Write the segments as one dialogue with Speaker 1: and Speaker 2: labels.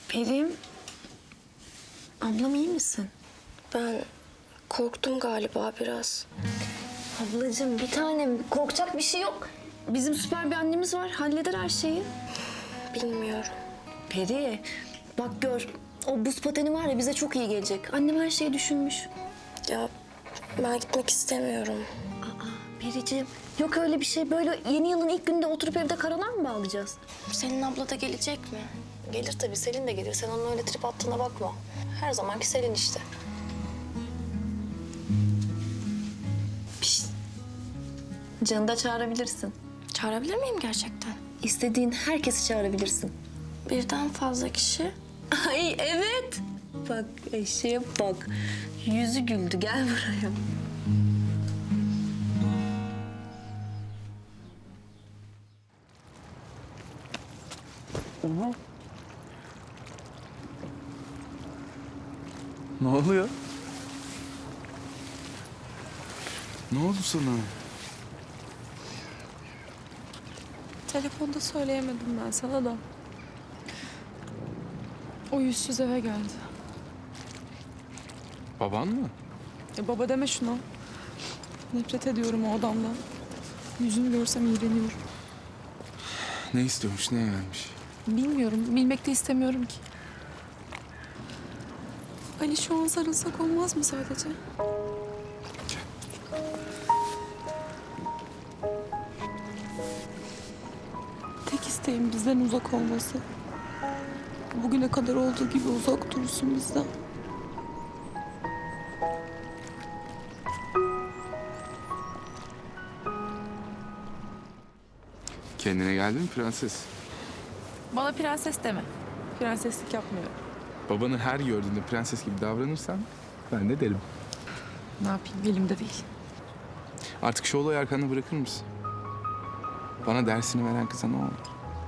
Speaker 1: Perim, ablam iyi misin?
Speaker 2: Ben korktum galiba biraz.
Speaker 1: Ablacığım bir tanem, korkacak bir şey yok. Bizim süper bir annemiz var, halleder her şeyi.
Speaker 2: Bilmiyorum.
Speaker 1: Peri, bak gör, o buz pateni var ya bize çok iyi gelecek. Annem her şeyi düşünmüş.
Speaker 2: Ya ben gitmek istemiyorum.
Speaker 1: Periciğim, yok öyle bir şey. Böyle yeni yılın ilk günde oturup evde karalar mı bağlayacağız?
Speaker 2: Selin abla da gelecek mi?
Speaker 1: Gelir tabii, Selin de gelir. Sen onun öyle trip attığına bakma. Her zamanki Selin işte. Pişt. Canı da çağırabilirsin.
Speaker 2: Çağırabilir miyim gerçekten?
Speaker 1: İstediğin herkesi çağırabilirsin.
Speaker 2: Birden fazla kişi.
Speaker 1: Ay evet. Bak eşeğe bak. Yüzü güldü. Gel buraya.
Speaker 3: Ne oluyor? Ne oldu sana?
Speaker 4: Telefonda söyleyemedim ben sana da. O yüzsüz eve geldi.
Speaker 3: Baban mı?
Speaker 4: Baba deme şuna. Nefret ediyorum o adamdan. Yüzünü görsem iğreniyorum.
Speaker 3: Ne istiyormuş, neye gelmiş?
Speaker 4: Bilmiyorum, bilmek de istemiyorum ki. Ali şu an sarılsak olmaz mı sadece? Tek isteğim bizden uzak olması. Bugüne kadar olduğu gibi uzak dursun bizden.
Speaker 3: Kendine geldin mi prenses?
Speaker 4: Bana prenses deme. Prenseslik yapmıyorum.
Speaker 3: Babanı her gördüğünde prenses gibi davranırsan ben de derim.
Speaker 4: Ne yapayım, elimde değil.
Speaker 3: Artık şu olayı arkanda bırakır mısın? Bana dersini veren kıza ne oldu?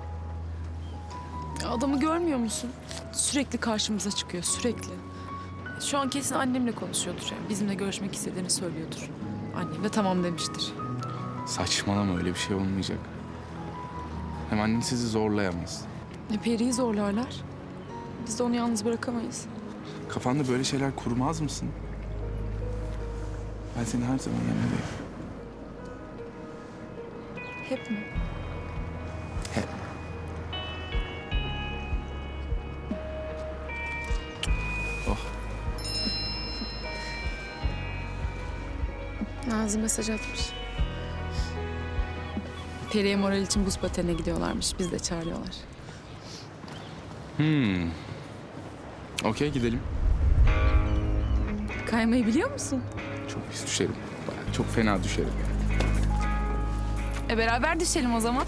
Speaker 4: Adamı görmüyor musun? Sürekli karşımıza çıkıyor, sürekli. Şu an kesin annemle konuşuyordur yani. Bizimle görüşmek istediğini söylüyordur. Annem de tamam demiştir.
Speaker 3: Saçmalama, öyle bir şey olmayacak. Hem annen sizi zorlayamaz.
Speaker 4: Peri'yi zorlarlar. Biz de onu yalnız bırakamayız.
Speaker 3: Kafanda böyle şeyler kurmaz mısın? Ben senin her zaman yanındayım.
Speaker 4: Hep mi?
Speaker 3: Hep. Oh.
Speaker 4: Nazlı mesaj atmış. Peri'ye moral için buz patenine gidiyorlarmış. Biz de çağırıyorlar.
Speaker 3: Okey, gidelim.
Speaker 4: Kaymayı biliyor musun?
Speaker 3: Çok pis düşerim. Bayağı çok fena düşerim.
Speaker 4: Beraber düşelim o zaman.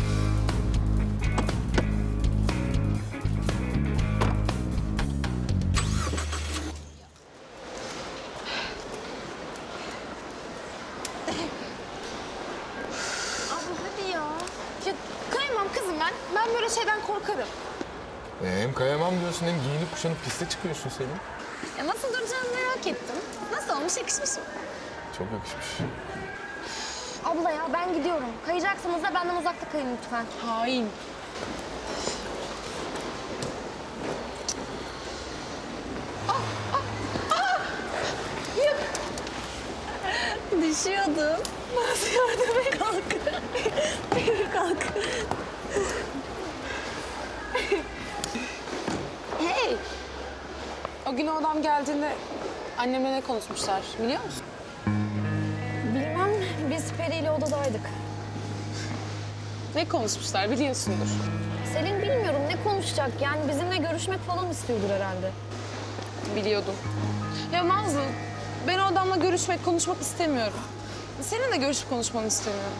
Speaker 5: Hadi ya. Ya kayamam kızım ben. Ben böyle şeyden korkarım.
Speaker 6: Hem kayamam diyorsun hem giyinip kuşanıp piste çıkıyorsun Selin.
Speaker 5: Ya nasıl duracağımı merak ettim. Nasıl olmuş, yakışmış mı?
Speaker 6: Çok yakışmış.
Speaker 5: Abla ya ben gidiyorum. Kayacaksınız da benden uzakta kayın lütfen.
Speaker 4: Hain.
Speaker 5: Düşüyordum. Nasıl yardım et? Kalk. Beni kalk.
Speaker 7: Hey! O gün o adam geldiğinde annemle ne konuşmuşlar biliyor musun?
Speaker 5: Bilmem, biz Peri ile odadaydık.
Speaker 7: Ne konuşmuşlar biliyorsundur.
Speaker 5: Selin bilmiyorum ne konuşacak. Yani bizimle görüşmek falan istiyordur herhalde.
Speaker 7: Biliyordum. Ya Nazlı, ben o adamla görüşmek, konuşmak istemiyorum. Seninle görüşüp konuşmanı istemiyorum.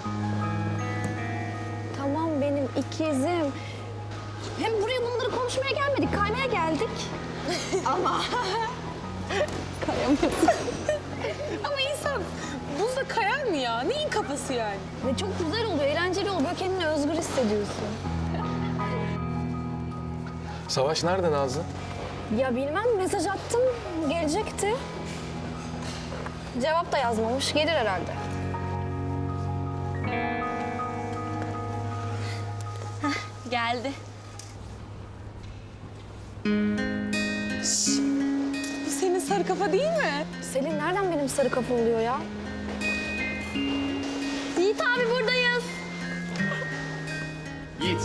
Speaker 5: Tamam benim ikizim. Hem buraya bunları konuşmaya gelmedik, kaymaya geldik. Ama...
Speaker 7: Ama insan buzda kayar mı ya? Neyin kafası yani?
Speaker 5: Ve çok güzel oluyor, eğlenceli oluyor. Böyle kendini özgür hissediyorsun.
Speaker 6: Savaş nerede Nazlı?
Speaker 5: Ya bilmem, mesaj attım, gelecekti. Cevap da yazmamış, gelir herhalde.
Speaker 2: Geldi.
Speaker 7: Bu senin sarı kafa değil mi?
Speaker 5: Selin nereden benim sarı kafa oluyor ya? Yiğit abi buradayız.
Speaker 3: Yiğit.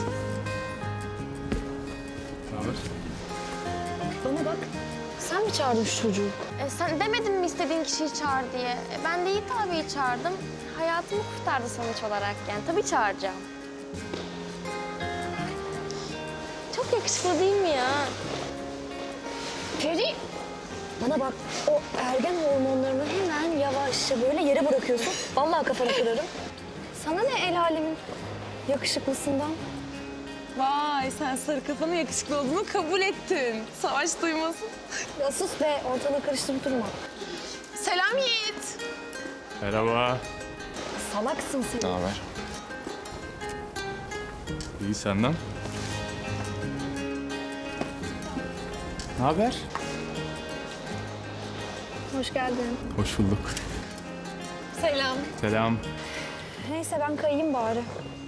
Speaker 3: Ne haber?
Speaker 5: Bana bak. Sen mi çağırdın şu çocuğu?
Speaker 2: Sen demedin mi istediğin kişiyi çağır diye? Ben de Yiğit abiyi çağırdım. Hayatımı kurtardı sonuç olarak yani. Tabii çağıracağım. Çok yakışıklı değil mi ya?
Speaker 5: Peri. Bana bak. O ergen hormonlarını hemen yavaşça böyle yere bırakıyorsun. Vallahi kafanı kırarım. Sana ne el alemin yakışıklısından?
Speaker 7: Vay sen sarı kafanın yakışıklı olduğunu kabul ettin. Savaş duymasın.
Speaker 5: Ya sus be, ortalığı karıştırıp durma.
Speaker 7: Selam Yiğit.
Speaker 8: Merhaba.
Speaker 5: Salaksın sen.
Speaker 6: Ne haber?
Speaker 8: İyi senden. Ne haber?
Speaker 5: Hoş geldin.
Speaker 8: Hoş bulduk.
Speaker 7: Selam.
Speaker 8: Selam.
Speaker 5: Neyse ben kayayım bari.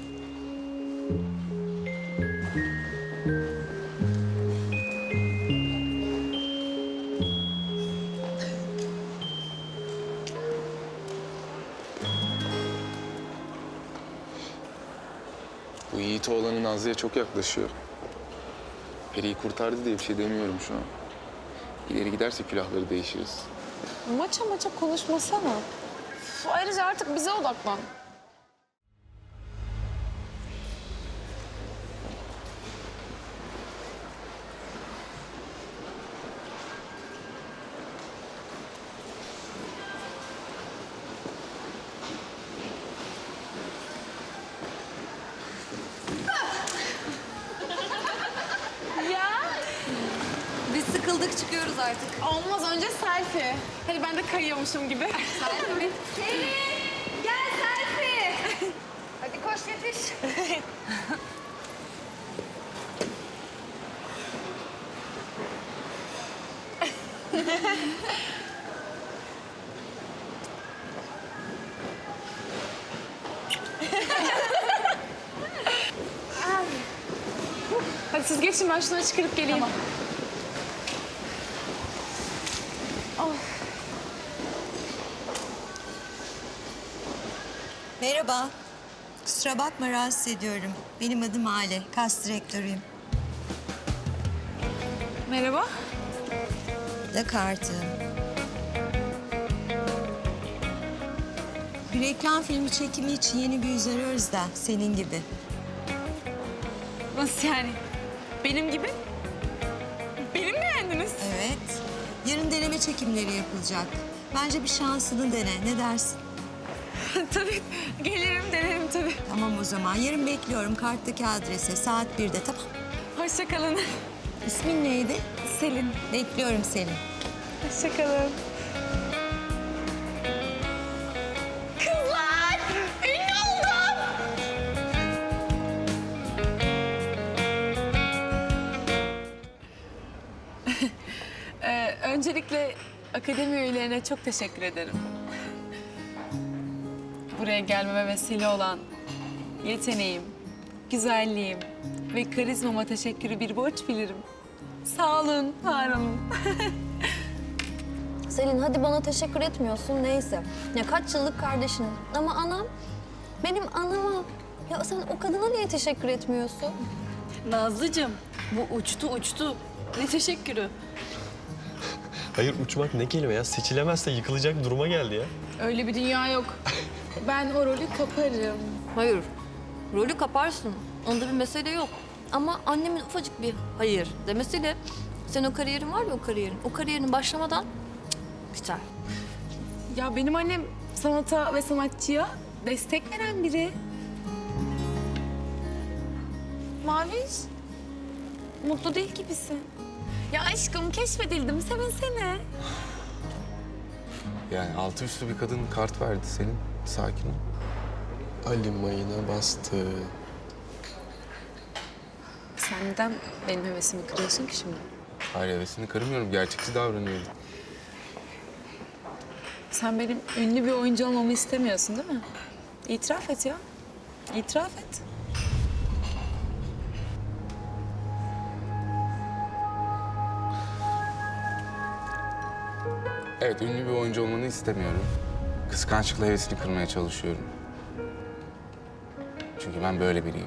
Speaker 3: Bu Yiğit oğlanın Nazlı'ya çok yaklaşıyor. Peri'yi kurtardı diye bir şey demiyorum şu an. İleri giderse külahları değişiriz.
Speaker 7: Maça konuşmasana. Ayrıca artık bize odaklan.
Speaker 1: Biz sıkıldık çıkıyoruz artık.
Speaker 7: Olmaz önce selfie. Hadi ben de kayıyormuşum gibi.
Speaker 1: Gel selfie. Hadi koş yetiş.
Speaker 7: Hadi siz geçin ben şuna çıkarıp geleyim. Tamam.
Speaker 9: Merhaba. Kusura bakma rahatsız ediyorum. Benim adım Ale. Kas direktörüyüm.
Speaker 7: Merhaba.
Speaker 9: Da kartım. Bir reklam filmi çekimi için yeni bir yüz arıyoruz da senin gibi.
Speaker 7: Nasıl yani? Benim gibi? Benim mi beğendiniz?
Speaker 9: Evet. Yarın deneme çekimleri yapılacak. Bence bir şansını dene. Ne dersin?
Speaker 7: Tabii. Gelirim, denerim tabii.
Speaker 9: Tamam o zaman. Yarın bekliyorum karttaki adrese. Saat 1'de tamam.
Speaker 7: Hoşça kalın.
Speaker 9: İsmin neydi?
Speaker 7: Selin.
Speaker 9: Bekliyorum seni.
Speaker 7: Hoşça kalın. Kızlar! Ünlü oldum! Öncelikle akademi üyelerine çok teşekkür ederim. Buraya gelmeme vesile olan yeteneğim, güzelliğim ve karizmama teşekkürü bir borç bilirim. Sağ olun, var olun.
Speaker 5: Selin hadi bana teşekkür etmiyorsun neyse. Ya kaç yıllık kardeşiniz. Ama anam, benim anama. Ya sen o kadına niye teşekkür etmiyorsun?
Speaker 1: Nazlıcığım bu uçtu. Ne teşekkürü.
Speaker 10: Hayır uçmak ne kelime ya? Seçilemezse yıkılacak duruma geldi ya.
Speaker 7: Öyle bir dünya yok. Ben o rolü kaparım.
Speaker 1: Hayır. Rolü kaparsın. Onda bir mesele yok. Ama annemin ufacık bir hayır demesiyle sen o kariyerin var ya o kariyerin başlamadan biter.
Speaker 7: Ya benim annem sanata ve sanatçıya destek veren biri. Maviş, mutlu değil gibisin. Ya aşkım keşfedildim, sevinsene.
Speaker 3: Yani altı üstü bir kadın kart verdi senin. Sakin ol.
Speaker 6: Ali mayına bastı.
Speaker 7: Sen neden benim hevesimi kırıyorsun ki şimdi?
Speaker 3: Hayır hevesini kırmıyorum. Gerçekçi davranıyorum.
Speaker 7: Sen benim ünlü bir oyuncu olmamı istemiyorsun değil mi? İtiraf et ya. İtiraf et.
Speaker 3: Evet, ünlü bir oyuncu olmanı istemiyorum. Kıskançlıkla hevesini kırmaya çalışıyorum. Çünkü ben böyle biriyim.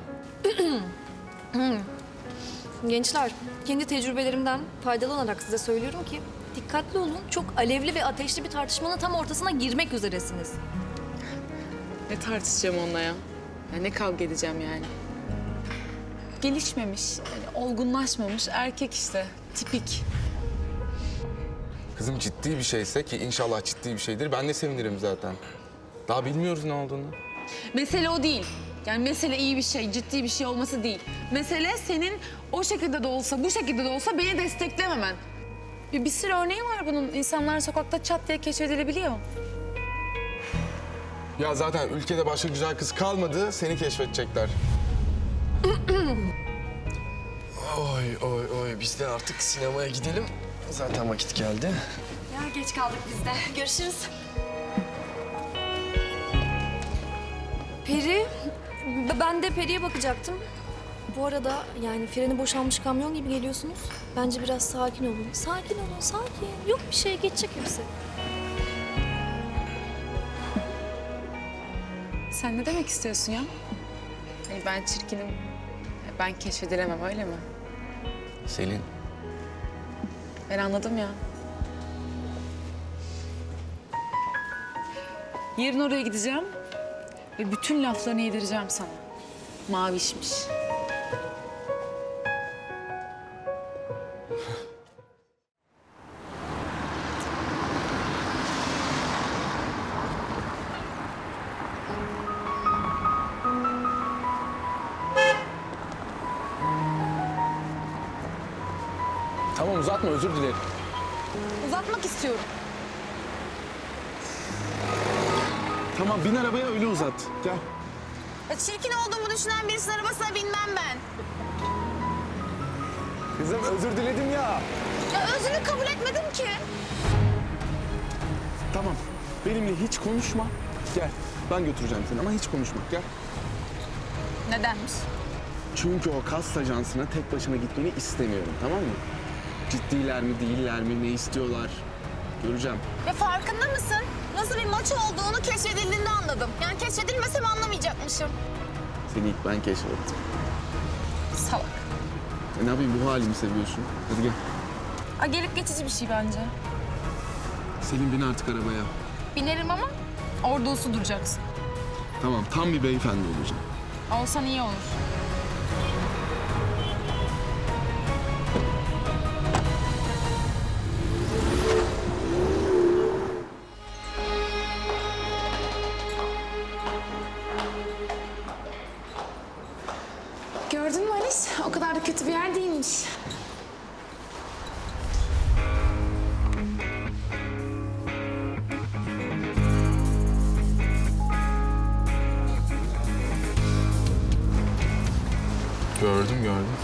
Speaker 1: Gençler, kendi tecrübelerimden faydalı olarak size söylüyorum ki dikkatli olun. Çok alevli ve ateşli bir tartışmanın tam ortasına girmek üzeresiniz.
Speaker 7: Ne tartışacağım onunla ya? Ya ne kavga edeceğim yani? Gelişmemiş, yani olgunlaşmamış erkek işte. Tipik.
Speaker 3: Kızım ciddi bir şeyse ki inşallah ciddi bir şeydir. Ben de sevinirim zaten. Daha bilmiyoruz ne olduğunu.
Speaker 7: Mesele o değil. Yani mesele iyi bir şey, ciddi bir şey olması değil. Mesele senin o şekilde de olsa, bu şekilde de olsa beni desteklememen. Bir sürü örneği var bunun. İnsanlar sokakta çat diye keşfedilebiliyor.
Speaker 3: Ya zaten ülkede başka güzel kız kalmadı, seni keşfedecekler.
Speaker 10: Oy oy oy biz de artık sinemaya gidelim. Zaten vakit geldi.
Speaker 5: Ya geç kaldık biz de. Görüşürüz.
Speaker 1: Peri, ben de Peri'ye bakacaktım. Bu arada yani freni boşalmış kamyon gibi geliyorsunuz. Bence biraz sakin olun. Sakin olun, sakin. Yok bir şey, geçecek hepsi.
Speaker 7: Sen ne demek istiyorsun ya? Hani ben çirkinim, ben keşfedilemem öyle mi?
Speaker 3: Selin,
Speaker 7: Ben anladım ya. Yarın oraya gideceğim ve bütün laflarını yedireceğim sana. Mavişmiş.
Speaker 3: tamam uzatma, özür dilerim.
Speaker 7: Uzatmak istiyorum.
Speaker 3: Tamam, bin arabaya öyle uzat. Gel.
Speaker 2: Çirkin olduğumu düşünen birisinin arabasına binmem ben.
Speaker 3: Kızım özür diledim ya.
Speaker 2: Ya özünü kabul etmedim ki.
Speaker 3: Tamam, benimle hiç konuşma. Gel, ben götüreceğim seni ama hiç konuşma. Gel.
Speaker 7: Nedenmiş?
Speaker 3: Çünkü o kas ajansına tek başına gitmeni istemiyorum, tamam mı? Ciddiler mi, değiller mi, ne istiyorlar? Göreceğim.
Speaker 2: Ya farkında mısın? Nasıl bir maç olduğunu keşfedildiğinde anladım. Yani keşfedilmesem anlamayacakmışım.
Speaker 3: Seni ilk ben keşfettim.
Speaker 7: Salak.
Speaker 3: Ne yapayım, bu halimi seviyorsun. Hadi gel.
Speaker 7: Aa, gelip geçici bir şey bence.
Speaker 3: Selin, bin artık arabaya.
Speaker 7: Binerim ama orada usu duracaksın.
Speaker 3: Tamam, tam bir beyefendi olacağım.
Speaker 7: Olsan iyi olur. Gördün mü Alice? O kadar da kötü bir yer değilmiş.
Speaker 3: Gördüm.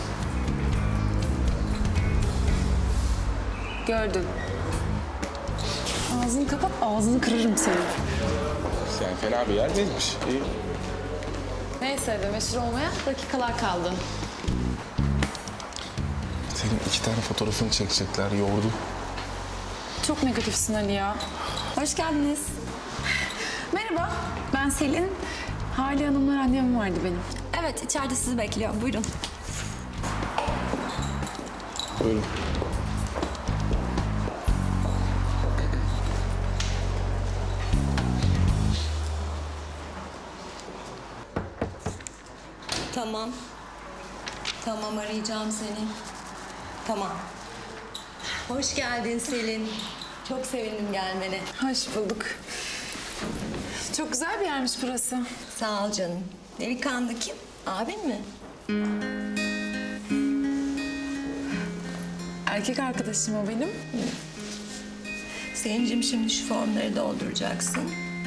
Speaker 7: Gördüm. Ağzını kapat, ağzını kırarım senin.
Speaker 3: Yani fena bir yer değilmiş. İyi.
Speaker 7: Neyse de meşhur olmaya dakikalar kaldı.
Speaker 3: Senin 2 tane fotoğrafını çekecekler, yordu.
Speaker 7: Çok negatifsin Ali ya. Hoş geldiniz. Merhaba, ben Selin. Hale Hanım'la randevum vardı benim.
Speaker 5: Evet, içeride sizi bekliyor. Buyurun.
Speaker 3: Buyurun.
Speaker 9: Tamam. Tamam, arayacağım seni. Tamam. Hoş geldin Selin. Çok sevindim gelmene.
Speaker 7: Hoş bulduk. Çok güzel bir yermiş burası.
Speaker 9: Sağ ol canım. Delikanlı kim? Abin mi?
Speaker 7: Erkek arkadaşım o benim.
Speaker 9: Selin'cim şimdi şu formları dolduracaksın.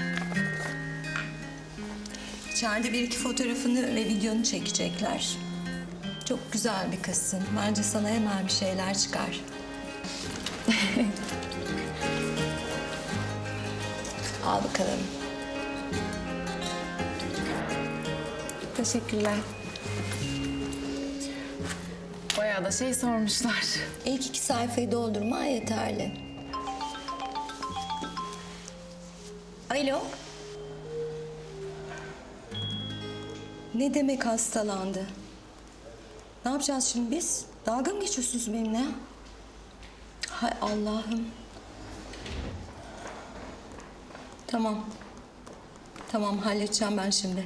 Speaker 9: İçeride 1-2 fotoğrafını ve videonu çekecekler. Çok güzel bir kızsın. Bence sana hemen bir şeyler çıkar. Al bakalım.
Speaker 7: Teşekkürler. Bayağı da şey sormuşlar.
Speaker 9: İlk 2 sayfayı doldurman yeterli. Alo. Ne demek hastalandı? Ne yapacağız şimdi biz? Dalga mı geçiyorsunuz benimle? Hay Allah'ım. Tamam. Tamam, halledeceğim ben şimdi.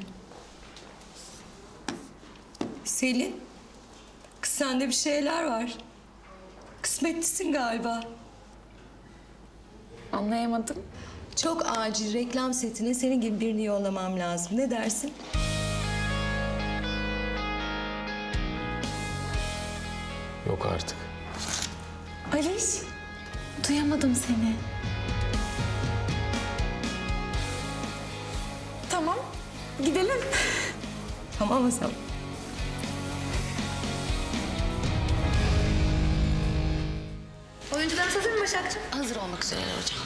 Speaker 9: Selin. Kız sende bir şeyler var. Kısmetlisin galiba.
Speaker 7: Anlayamadım.
Speaker 9: Çok acil reklam setine senin gibi birini yollamam lazım. Ne dersin?
Speaker 3: Yok artık.
Speaker 7: Aliş, duyamadım seni. Tamam, gidelim.
Speaker 9: Tamam mı sen?
Speaker 5: Oyuncularımız hazır mı Başakcığım?
Speaker 2: Hazır olmak üzereler hocam.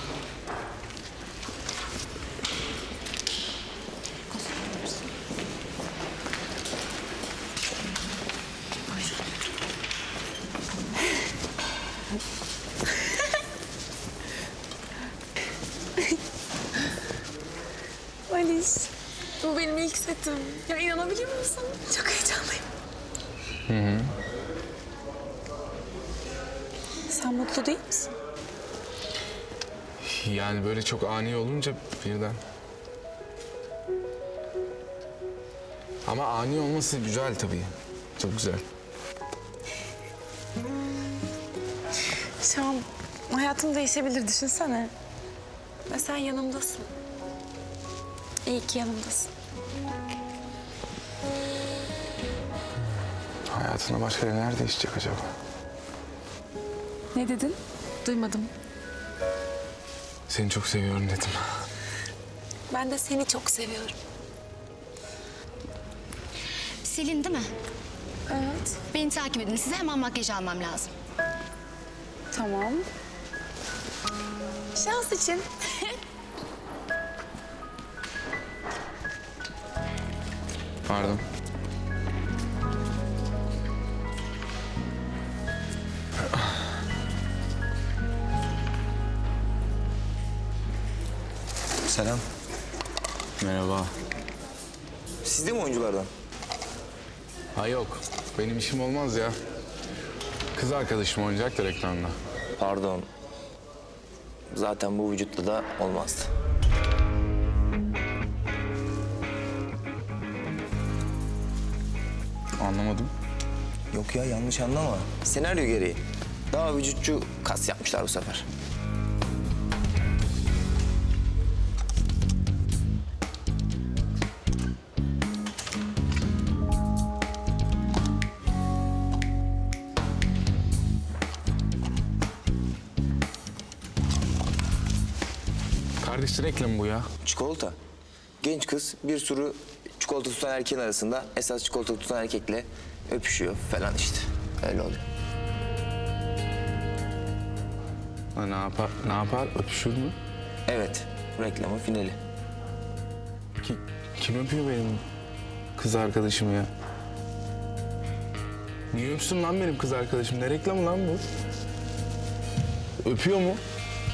Speaker 7: Aliş, bu benim ilk setim. Ya inanabiliyor musun? Çok heyecanlıyım. Sen mutlu değil misin?
Speaker 3: Yani böyle çok ani olunca birden. Ama ani olması güzel tabii. Çok güzel.
Speaker 7: Şu an hayatım değişebilir, düşünsene. Ve sen yanımdasın. İyi ki yanımdasın.
Speaker 3: Hayatına başka neler değişecek acaba?
Speaker 7: Ne dedin? Duymadım.
Speaker 3: Seni çok seviyorum dedim.
Speaker 7: Ben de seni çok seviyorum.
Speaker 2: Selin değil mi?
Speaker 7: Evet.
Speaker 2: Beni takip edin. Size hemen makyaj almam lazım.
Speaker 7: Tamam. Şans için.
Speaker 3: Pardon.
Speaker 11: Selam.
Speaker 3: Merhaba.
Speaker 11: Siz de mi oyunculardan?
Speaker 3: Ha yok. Benim işim olmaz ya. Kız arkadaşım oynayacak da reklamda.
Speaker 11: Pardon. Zaten bu vücutla da olmazdı.
Speaker 3: Anlamadım.
Speaker 11: Yok ya, yanlış anlama. Senaryo gereği. Daha vücutçu kas yapmışlar bu sefer.
Speaker 3: Kardeş reklamı bu ya.
Speaker 11: Çikolata. Genç kız bir sürü çikolata tutan erkeğin arasında esas çikolata tutan erkekle öpüşüyor falan işte. Öyle oluyor.
Speaker 3: Ha, ne yapar? Öpüşür mü?
Speaker 11: Evet, reklamın finali.
Speaker 3: Kim öpüyor benim kız arkadaşımı ya? Niye öpsün lan benim kız arkadaşım? Ne reklamı lan bu? Öpüyor mu?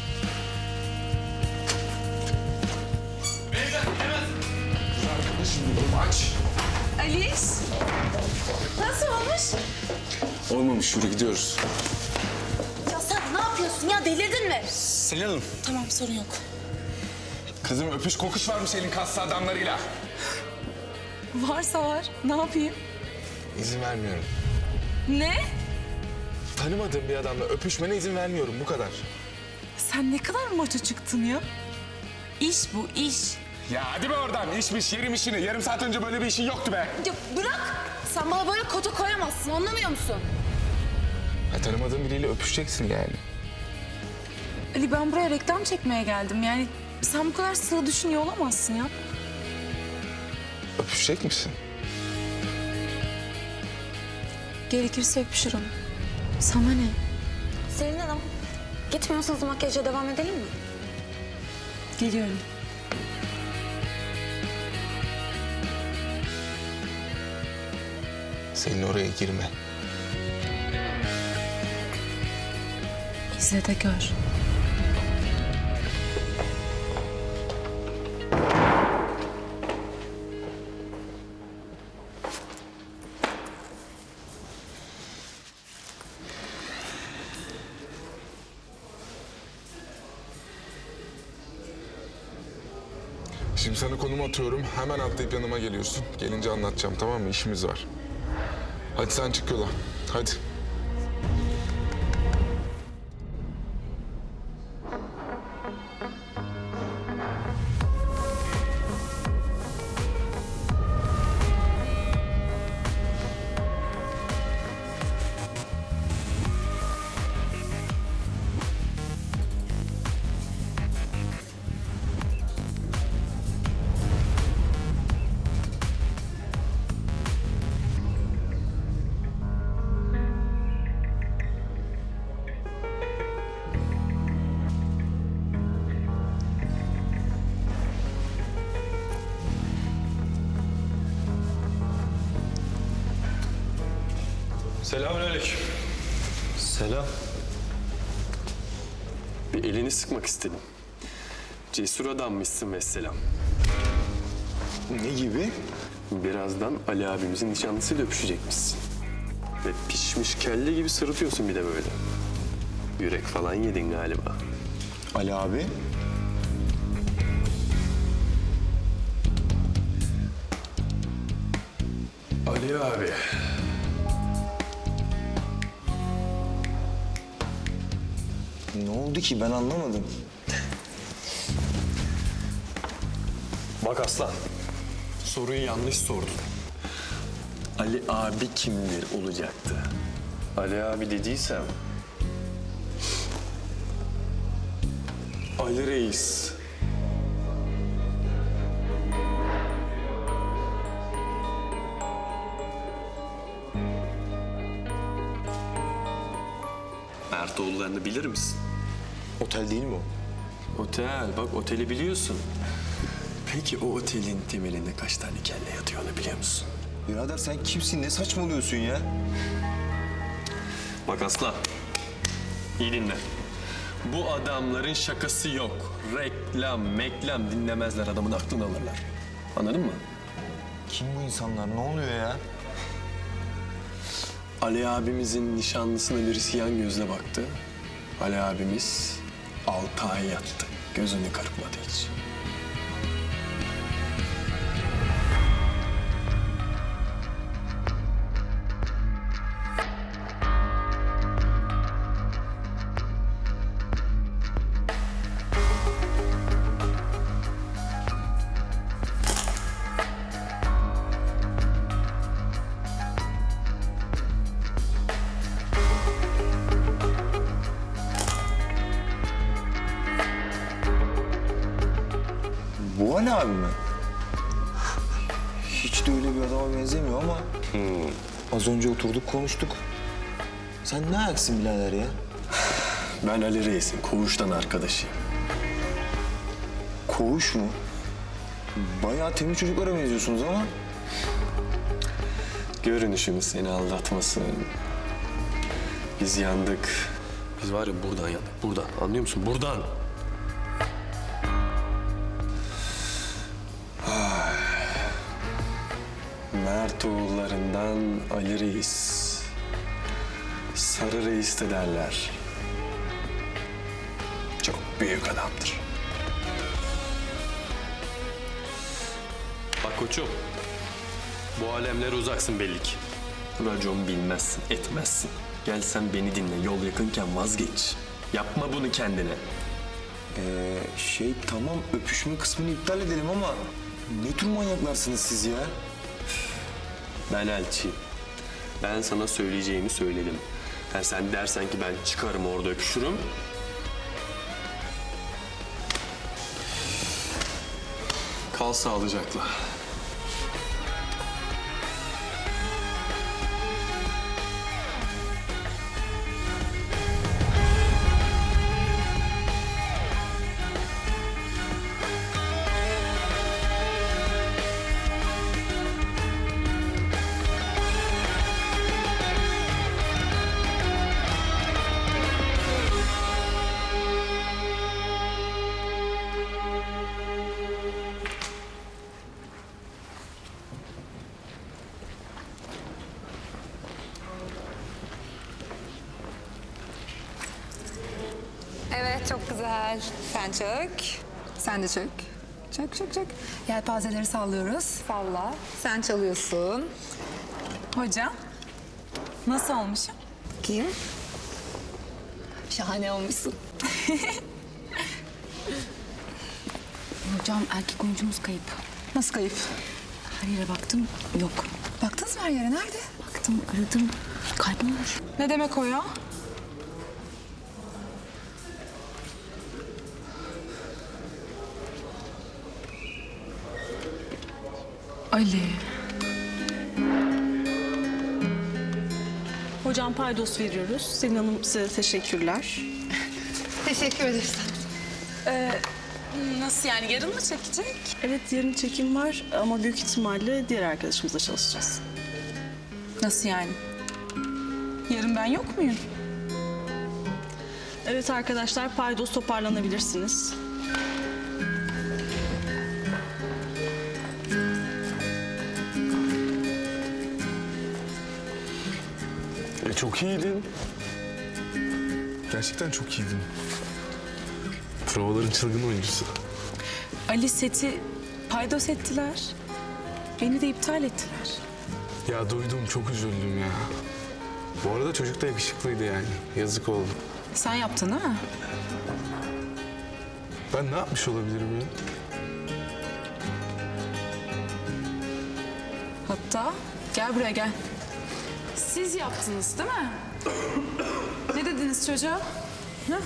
Speaker 7: Aliş, nasıl olmuş?
Speaker 3: Olmamış, yürü gidiyoruz.
Speaker 2: Ya sen ne yapıyorsun ya? Delirdin mi?
Speaker 3: Selin Hanım.
Speaker 7: Tamam, sorun yok.
Speaker 3: Kızım öpüş kokuş varmış elin kaslı adamlarıyla.
Speaker 7: Varsa var, ne yapayım?
Speaker 3: İzin vermiyorum.
Speaker 7: Ne?
Speaker 3: Tanımadığım bir adamla öpüşmene izin vermiyorum, bu kadar.
Speaker 7: Sen ne kadar maço çıktın ya? İş bu, iş.
Speaker 3: Ya hadi be oradan, işmiş, yerim işini. Yarım saat önce böyle bir işin yoktu be.
Speaker 7: Ya bırak! Sen bana böyle kota koyamazsın, anlamıyor musun?
Speaker 3: Ya, tanımadığın biriyle öpüşeceksin yani.
Speaker 7: Ali, ben buraya reklam çekmeye geldim. Yani sen bu kadar sığ düşünüyor olamazsın ya.
Speaker 3: Öpüşecek misin?
Speaker 7: Gerekirse öpüşürüm. Sana ne?
Speaker 2: Selin Hanım, gitmiyorsanız makyaja devam edelim mi?
Speaker 7: Geliyorum.
Speaker 3: Senin oraya girme.
Speaker 7: İzle de gör.
Speaker 6: Şimdi sana konum atıyorum. Hemen atlayıp yanıma geliyorsun. Gelince anlatacağım, tamam mı? İşimiz var. Hadi sen çık yola. Hadi.
Speaker 10: Selamünaleyküm. Selam. Bir elini sıkmak istedim. Cesur adammışsın vesselam.
Speaker 11: Ne gibi?
Speaker 10: Birazdan Ali abimizin nişanlısıyla öpüşecekmişsin. Ve pişmiş kelle gibi sırıtıyorsun bir de böyle. Yürek falan yedin galiba.
Speaker 11: Ali abi.
Speaker 10: Ali abi.
Speaker 11: Ne oldu ki ben anlamadım.
Speaker 10: Bak aslan. Soruyu yanlış sordun. Ali abi kimdir olacaktı. Ali abi dediysem... Ali Reis. Mertoğullarını bilir misin?
Speaker 11: Otel değil mi o?
Speaker 10: Otel, bak oteli biliyorsun. Peki o otelin temelinde kaç tane kelle yatıyor onu biliyor musun?
Speaker 11: Birader sen kimsin? Ne saçmalıyorsun ya?
Speaker 10: Bak aslan, iyi dinle. Bu adamların şakası yok. Reklam dinlemezler, adamın aklını alırlar. Anladın mı?
Speaker 11: Kim bu insanlar? Ne oluyor ya?
Speaker 10: Ali abimizin nişanlısına birisi yan gözle baktı. Ali abimiz 6 ay yattı. Gözünü kırpmadı hiç.
Speaker 11: Bu Ali abi mi? Hiç de öyle bir adama benzemiyor ama... Az önce oturduk konuştuk. Sen ne ayaksın birader ya?
Speaker 10: Ben Ali Reis'in koğuştan arkadaşıyım.
Speaker 11: Koğuş mu? Bayağı temiz çocuklara benziyorsunuz ama.
Speaker 10: Görünüşümüz seni aldatmasın. Biz yandık. Biz var ya buradan yandık. Buradan. Anlıyor musun? Buradan. Mertoğullarından Ali Reis. Sarı Reis de derler. Çok büyük adamdır. Bak koçum. Bu alemlere uzaksın belli ki. Racon bilmezsin, etmezsin. Gel sen beni dinle. Yol yakınken vazgeç. Yapma bunu kendine.
Speaker 11: Tamam öpüşme kısmını iptal edelim ama... Ne tür manyaklarsınız siz ya?
Speaker 10: Ben elçiyim. Ben sana söyleyeceğimi söyledim. Sen dersen ki ben çıkarım orada öpüşürüm. Kal sağlıcakla.
Speaker 12: Evet, çok güzel. Sen çök. Sen de çök.
Speaker 7: Çak çak çak. Yelpazeleri sallıyoruz. Salla. Sen çalıyorsun. Hocam. Nasıl olmuşum? Kim? Şahane olmuşsun.
Speaker 4: Hocam erkek oyuncumuz kayıp.
Speaker 7: Nasıl kayıp?
Speaker 4: Her yere baktım yok.
Speaker 7: Baktınız mı her yere? Nerede?
Speaker 4: Baktım aradım kaybolmuş.
Speaker 7: Ne demek o ya?
Speaker 4: Ali.
Speaker 12: Hocam paydos veriyoruz. Selin Hanım size teşekkürler.
Speaker 7: Teşekkür ederiz. Nasıl yani? Yarın mı çekecek?
Speaker 12: Evet yarın çekim var ama büyük ihtimalle diğer arkadaşımızla çalışacağız.
Speaker 7: Nasıl yani? Yarın ben yok muyum?
Speaker 12: Evet arkadaşlar paydos toparlanabilirsiniz.
Speaker 6: Çok iyiydin. Gerçekten çok iyiydin. Provaların çılgın oyuncusu.
Speaker 12: Ali seti paydos ettiler. Beni de iptal ettiler.
Speaker 6: Ya duydum, çok üzüldüm ya. Bu arada çocuk da yakışıklıydı yani. Yazık oldu.
Speaker 7: Sen yaptın değil mi?
Speaker 6: Ben ne yapmış olabilirim ya?
Speaker 7: Hatta gel buraya gel. Siz yaptınız değil mi? Ne dediniz çocuğa? Ha?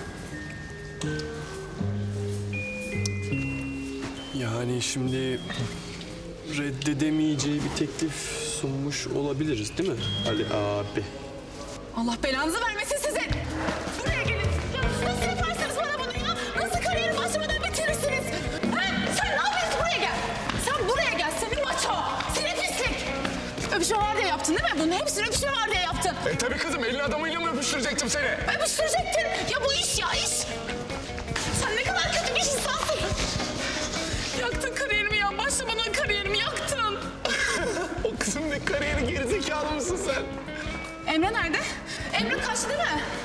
Speaker 10: Yani şimdi reddedemeyeceği bir teklif sunmuş olabiliriz değil mi Ali abi?
Speaker 7: Allah belanızı vermesin sizin. Buraya gelin. Ya nasıl yaparsınız bana bunu ya? Nasıl kariyerim başlamadan bitirirsiniz? Ha? Sen ne yapıyorsun? Buraya gel. Sen buraya gel. Senin maço. Senin pislik. Öpüşme var diye yaptın değil mi? Bunun hepsini öpüşme var diye yaptın.
Speaker 6: Tabii kızım, elin adamıyla mı öpüştürecektim seni?
Speaker 7: Öpüştürecektin. Ya bu iş ya iş. Sen ne kadar kötü bir insansın. Yaktın kariyerimi ya. Başlamadan kariyerimi yaktın.
Speaker 6: O kızın ne kariyeri, gerizekalı mısın sen?
Speaker 7: Emre nerede? Emre kaçtı değil mi?